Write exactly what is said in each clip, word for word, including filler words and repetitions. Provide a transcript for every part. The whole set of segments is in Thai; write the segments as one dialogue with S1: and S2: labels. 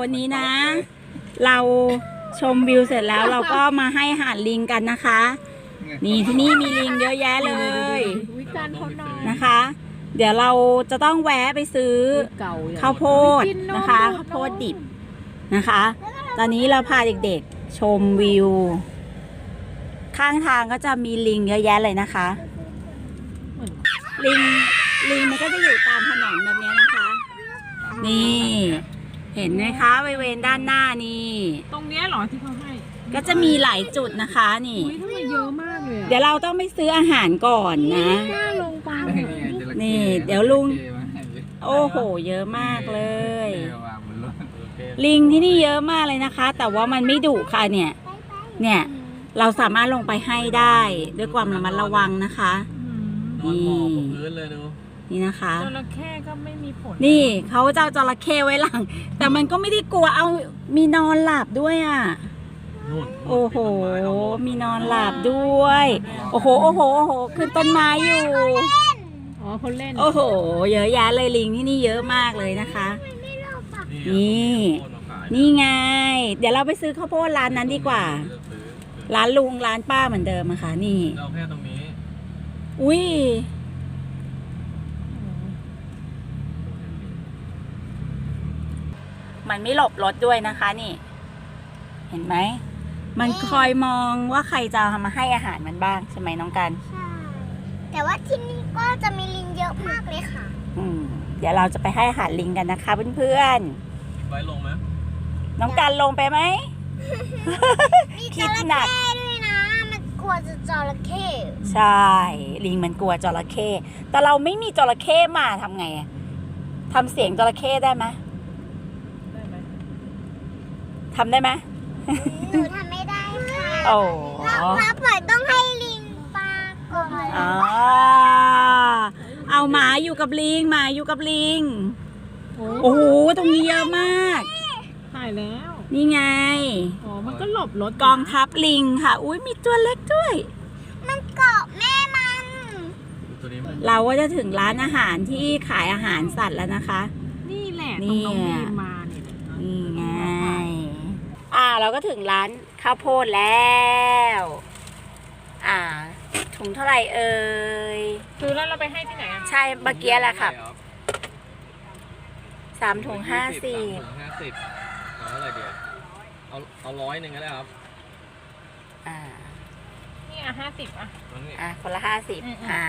S1: วันนี้นะ เราชมวิวเสร็จแล้วเราก็มาให้อาหารลิงกันนะคะ นี่ที่นี่มีลิงเยอะแยะเลยนะคะ เดี๋ยวเราจะต้องแวะไปซื้อข้าวโพดนะคะข้าวโพดดิบนะคะ ตอนนี้เราพาเด็กๆชมวิวข้างทางก็จะมีลิงเยอะแยะเลยนะคะลิงลิงมันก็จะอยู่ตามถนนแบบนี้นะคะนี่เห็นไหมคะบริเวณด้านหน้านี่
S2: ตรงนี้หรอที่เขาให้
S1: ก็จะมีหลายจุดนะคะนี่
S2: เยอะมากเลย
S1: เดี๋ยวเราต้องไปซื้ออาหารก่อนนะนี่เดี๋ยวลุงโอ้โหเยอะมากเลยลิงที่นี่เยอะมากเลยนะคะ แต่ว่ามันไม่ดุค่ะเนี่ยเนี่ยเราสามารถลงไปให้ได้ด้วยความระมัดระวังนะคะนี่นี่นะคะ
S2: จระเข้ก็ไม่มีผล
S1: นี่เขาจะเอาจระเข้ไว้หลังแต่มันก็ไม่ได้กลัวเอามีนอนหลับด้วยอ่ะโอ้โหมีนอนหลับด้วยโอ้โหโอ้โหโอ้โหขึ้นต้นไม้อยู่
S2: อ๋อคนเล่น
S1: โอ้โหเยอะแยะเลยลิงที่นี่เยอะมากเลยนะคะนี่นี่ไงเดี๋ยวเราไปซื้อข้าวโพดร้านนั้นดีกว่าร้านลุงร้านป้าเหมือนเดิมอะค่ะนี่
S3: เราแค่ตรงนี้
S1: อุ้ยมันไม่หลบรถด้วยนะคะนี่เห็นไหมมันคอยมองว่าใครจะมาให้อาหารมันบ้างใช่ไหมน้องกัน
S4: ใช่แต่ว่าที่นี่ก็จะมีลิงเยอะมากเลยค่ะ
S1: อืมเดี๋ยวเราจะไปให้อาหารลิงกันนะคะเพื่อน
S3: ๆไว้ลงไหม
S1: น้องกันลงไปไหม
S4: มีจระเข้ด้วยนะมันกลัวจะจระเข้
S1: ใช่ลิงมันกลัวจระเข้แต่เราไม่มีจระเข้มาทำไงทำเสียงจระเข้ได้ไหม
S2: ได้ไหม
S1: ทำได้ไหม
S4: หนูทำไม่ได้ค่ะ
S1: โอ้
S4: เราปล่อยต้องให้ลิงปลาก่อน
S1: อ๋อเอาหมาอยู่กับลิงหมาอยู่กับลิงโอ้โหตรงนี้เยอะมาก
S2: ถ่ายแล้ว
S1: นี่ไง
S2: อ๋อมันก็หลบรถ
S1: กองทัพลิงค่ะอุ้ยมีตัวเล็กด้วย
S4: มันเกาะแม่มัน
S1: เราก็จะถึงร้านอาหารที่ขายอาหารสัตว์แล้วนะคะ
S2: นี่แหละตรงน้องบีมมาเนี่ย
S1: นี่ไงอ่าเราก็ถึงร้านข้าวโพดแล้วอ่าถุงเท่าไหร่เอ่ย
S2: ซื้อแล้วเราไปให้ที่ไหน
S1: ใช่เมื่อกี้แหละค่ะสามถุงห้าสิบ
S3: ห้าสิบเอาเท่าไหร่เดียวเอาเอาร้อยหนึ่งก็ได้ครับ
S1: อ่า
S2: นี่อ่ะห้าสิบอ่ะ
S1: อ่ะคนละห้าสิบอ่า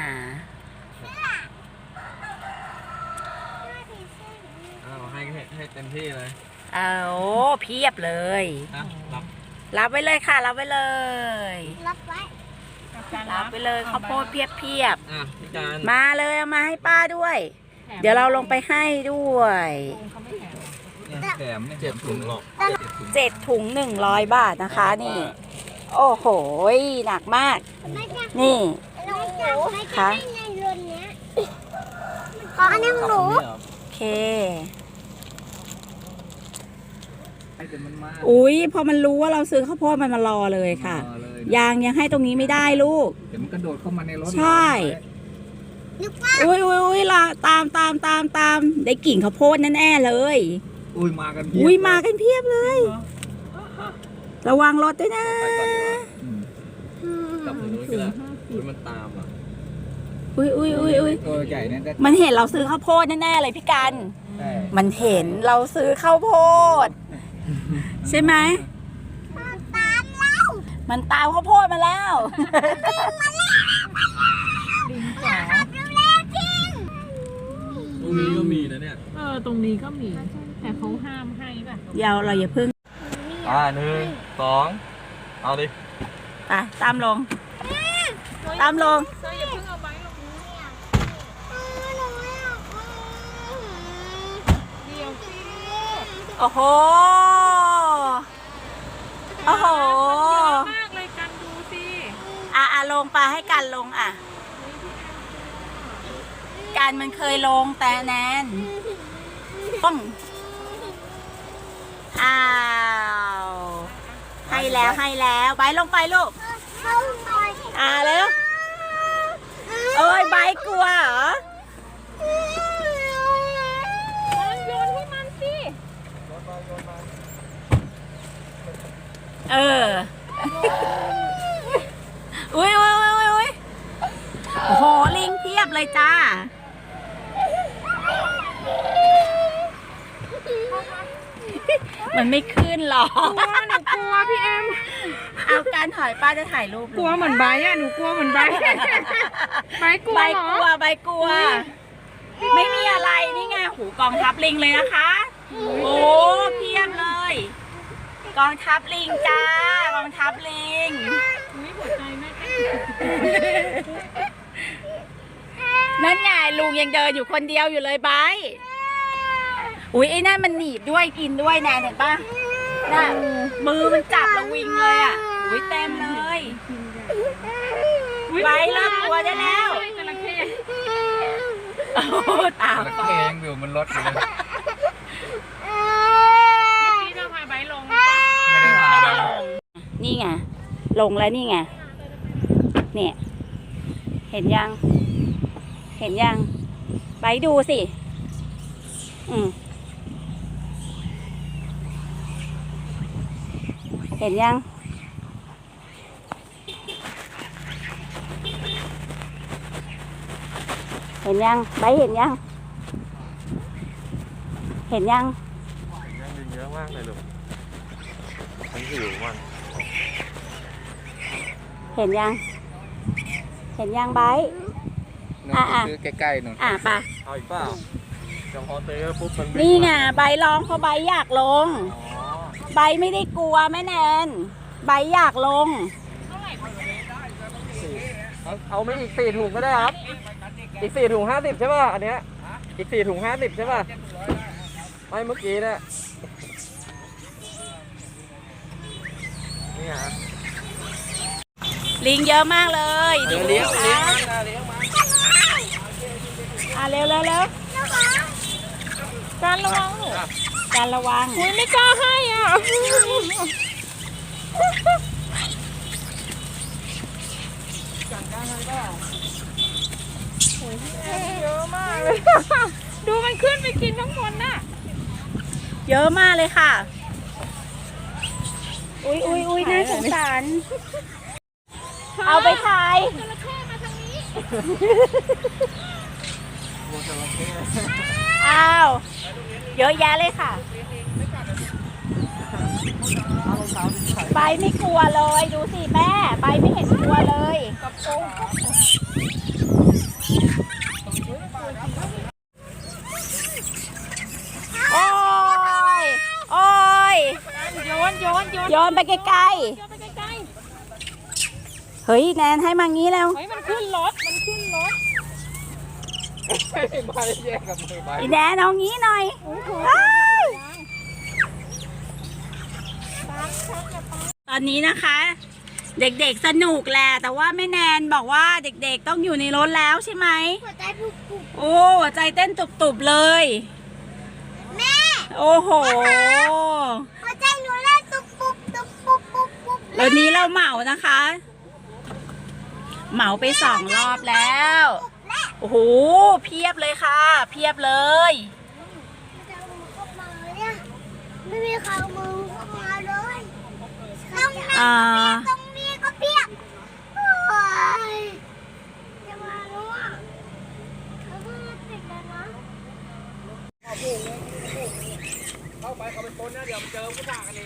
S3: เอาให้ให้เต็มที่เลย
S1: เอาเพียบเลย
S3: รับ
S1: รับไว้เลยค่ะรับไว้เลย
S4: รับไว้
S1: รับไปเลยข้าวโพดเพียบเพียบมาเลยเอามาให้ป้าด้วยเดี๋ยวเราลงไปให้ด้วย
S3: แถมเจ็ดถุงหรอก
S1: เจ็ดถุงหนึ่งร้อยบาทนะคะนี่โอ้โหหนักมากนี่
S4: ค่ะขออันนี้ของหนู
S1: โอเคอุ้ยพอมันรู้ว่าเราซื้อข้าวโพดมันมารอเลยค่ะยังยังให้ตรงนี้ไม่ได้ลูก
S3: เดี๋ยวมันกระโดดเข้ามาในรถ
S1: ใช่อุ้ยอุ้ยอุ้ยละตามตามตามตามได้กลิ่นข้าวโพดแน่ๆเลย
S3: อุ้ยมากัน
S1: อุ้ยมากันเพียบเลยระวังรถด้วยนะ
S3: จับมือนู้นก็ได้อุ้ยมันตามอ่ะ
S1: อุ้ยอุ้ยอุ้ยอุ้ย
S3: ตัวใหญ่เนี่ย
S1: มันเห็นเราซื้อข้าวโพดแน่ๆเลยพี่กันมันเห็นเราซื้อข้าวโพดใช่ไหม
S4: ตามเรา
S1: มันตามข้าวโพดมาแล้ว
S2: ลิงจ๋า
S3: ตรงนี้ก็มีนะเนี่ย
S2: เออตรงนี้ก็มีแต่เขาห้ามให้ป่ะ
S1: เดี๋ยวเราอย่าพึ่ง
S3: อ่าหนึ่งสองเอาดิ
S1: ไปตามลงตามลง
S2: อย่าพึ่งเอาไว้ลงเดี๋ยวสิ
S1: โอ้โหโอ้โห
S2: มากเลยกันดูสิ
S1: อ่ะอ่ะลงไปให้กันลงอ่ะการมันเคยลงแต่แนนป้องอ้าวให้แล้วให้แล้วไปลงไปลูกอ่าแล้วเอ้ยใบกลัวเหรอ
S2: โยนให้มันสิ
S1: เออ อุ้ยอุ้ยอุ้ยอุ้ยโอ้โห ลิงเพียบเลยจ้า มันไม่ขึ้นหรอก
S2: กลัวหนูกลัวพี่แอม
S1: เอาการถอยป้าจะถ่ายรูป
S2: กลัวเหมือนไบร์ทอะหนูกลัวเหมือนไบร์ทไบร์ทกลัว
S1: ใบ
S2: เหร
S1: ก
S2: อ
S1: ลัวใบกลัว ไม่มีอะไรนี่ไงหูกองทัพลิงเลยนะคะ โอ้เพียบเลย กองทัพลิงจ้ากองทัพลิง
S2: อุ้ยหัวใจแม่เต้น
S1: นั่นไงลุงยังเดินอยู่คนเดียวอยู่เลยไบร์ทอุ้ยไอ้นั่นมันหนีบด้วยกินด้วยนะเห็นปะน่ะมือมันจับแล้ววิ่งเลยอ่ะอุ้ยเต็มเลยไบร์ทเลิกกลัวได้แล้ว
S2: จระเข้
S1: โอ้ตา
S3: แล้ว
S1: ฟ
S3: แก
S1: อง
S3: งอยู่บนรถอยู่เลย
S2: พี่จะพาไบร์ทลง
S3: ไม่ได้พา
S1: ไม่ได้ลงนี่ไงลงแล้วนี่ไงเนี่ย เห็นยัง เห็นยังไปดูสิอืมเห็นยัง เห็นยังไปเห็นยัง เห็นยัง
S5: ยังลิงเยอะมากเลยลูกฉันหิวมัน
S1: เห็นยัง เห็นยังไบร์ท
S3: นู่น
S1: อ่ะอ่ะ
S3: ซื้อใกล้ๆนู่น
S1: อ่ะไป
S5: เอาอีกเปล่าจะพอเตะปุ๊บมันวิ่
S1: นี่ไง
S5: มา
S1: ใบร้องเพราะใบอยากลง
S5: อ๋อ
S1: ใบไม่ได้กลัวแม่แนนใบอยากลง
S5: เอาเอาไม่อีกสี่ถุงก็ได้ครับ อีกสี่ถุงห้าสิบใช่ป่ะอันเนี้ยอีกสี่ถุงห้าสิบใช่ป่ะไม่เมื่อกี้เนี่ยนี่ฮะ
S1: ลิงเยอะมากเลย
S5: เดี๋ยว
S1: ดู
S5: เลี้ยง
S1: สิ
S5: เลี้ยง
S1: คะ
S5: มันนะเลี้ยงมัน
S1: อ่ะเร็วเร็วเร็ว
S2: การระวังหนู
S1: การระวัง
S2: อุ้ยไม่กล้าให้อ่ะเยอะมากเลย ดูมันขึ้นไปกินข้างบนน่ะ
S1: เยอะมากเลยค่ะ อุ้ยอุ้ยอุ้ยน่าสงสาร เอาไปถ่าย
S2: จระเข้มาทางนี้
S1: อ้าว เยอะแยะเลยค่ะ ใบไม่กลัวเลย ดูสิแม่ ใบไม่เห็นกลัวเลยโอ้ย โอ้ย
S2: โยนโยนโยน
S1: โยนไปไกล
S2: โยนไปใกล้
S1: ๆ เฮ้ยแนนให้มางี้แล้ว
S2: ๆเฮ้ยมันขึ้นรถ มันขึ้นรถ
S5: ไม่แยกกับมือไป
S1: อีแนนเอางี้หน่อยอ้าวตอนนี้นะคะ เด็กๆสนุกแหละแต่ว่าแม่แนนบอกว่าเด็กๆต้องอยู่ในรถแล้วใช่ไหม
S4: หัวใจปุบปุบ
S1: โอ้หัวใจเต้นตุบๆเลย
S4: แม่
S1: โอ้โห
S4: หัวใจหนูเล่นตุบปุบตุบปุบปุบปุบ
S1: แล้วนี้เราเหมานะคะ เหมาไปสองรอบแล้ว โอ้โหเพียบเลยค่ะ เพียบเลย
S4: จะเอามือเข้ามาเนี่ยไม่มีใครเอามือเข้ามาเลยต้องมี
S1: อ่า
S4: ตรงนี้ก็เปียกโอ้ยจะมาแล้วอ่ะเขาเพิ่งมาติดแล้วนะ
S5: เข้าไปเขาเป็นคนนะเดี๋ยวเจอผู้ด่ากันเอง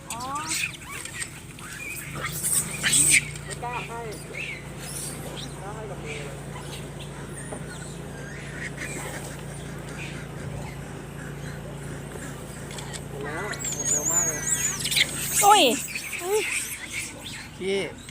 S5: ไม่กล้าให้กล้าให้กับมือเลยหมดแล้วหมดเร็วมากเลย
S1: อุ้ย
S3: พี่